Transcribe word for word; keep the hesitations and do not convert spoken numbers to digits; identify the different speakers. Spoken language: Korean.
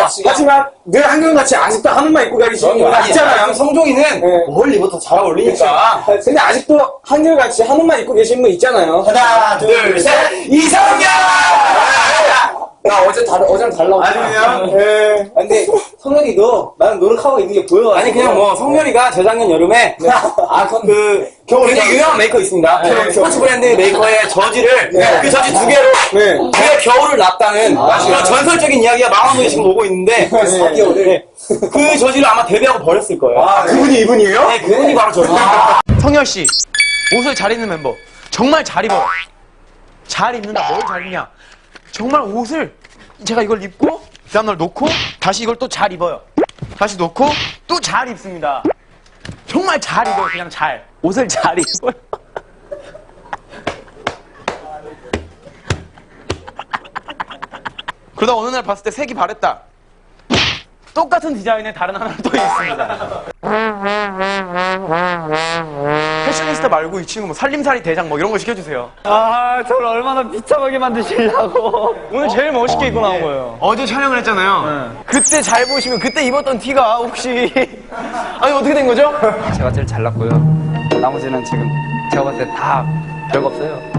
Speaker 1: 하지만 늘 한결같이 아직도 한우만 입고 다니시는 분 있잖아요.
Speaker 2: 성종이는
Speaker 1: 네.
Speaker 2: 멀리부터 더 잘 어울리니까.
Speaker 1: 근데 아직도 한결같이 한우만 입고 계신 분 있잖아요.
Speaker 2: 하나, 둘, 셋, 이성경!
Speaker 1: 나 어제 달, 어제랑 달라고.
Speaker 2: 아니면?
Speaker 1: 네.
Speaker 3: 근데 성현이도 나는 노력하고 있는 게 보여.
Speaker 2: 아니, 그냥 뭐, 성렬이가 재작년 여름에, 아, 그, 굉장히 유명한 메이커 있습니다.
Speaker 1: 네.
Speaker 2: 스포츠 브랜드 메이커의 저지를,
Speaker 1: 네.
Speaker 2: 그 저지 두 개로,
Speaker 1: 네.
Speaker 2: 그의 겨울을 났다는, 그런 전설적인 이야기가 망원동에 지금 오고 있는데,
Speaker 1: 사 개월을.
Speaker 2: 그 저지를 아마 데뷔하고 버렸을 거예요.
Speaker 1: 아, 그분이 이분이에요?
Speaker 2: 네, 그분이 바로 저지.
Speaker 4: 성열씨, 옷을 잘 입는 멤버. 정말 잘 입어요. 잘 입는다. 뭘 잘 입냐. 정말 옷을 제가 이걸 입고 그 다음날 놓고 다시 이걸 또 잘 입어요. 다시 놓고 또 잘 입습니다. 정말 잘 입어요. 그냥 잘. 옷을 잘 입어요. 그러다 어느 날 봤을 때 색이 바랬다. 똑같은 디자인의 다른 하나가 또 있습니다. 패셔니스타 말고 이 친구 뭐 살림살이 대장 뭐 이런 거 시켜주세요.
Speaker 5: 아, 저를 얼마나 비참하게 만드시려고.
Speaker 4: 오늘 제일 멋있게 입고 나온 거예요. 어제 촬영을 했잖아요. 그때 잘 보시면 그때 입었던 티가 혹시 아니 어떻게 된 거죠?
Speaker 5: 제가 제일 잘났고요. 나머지는 지금 제가 봤을 때 다 별거 없어요.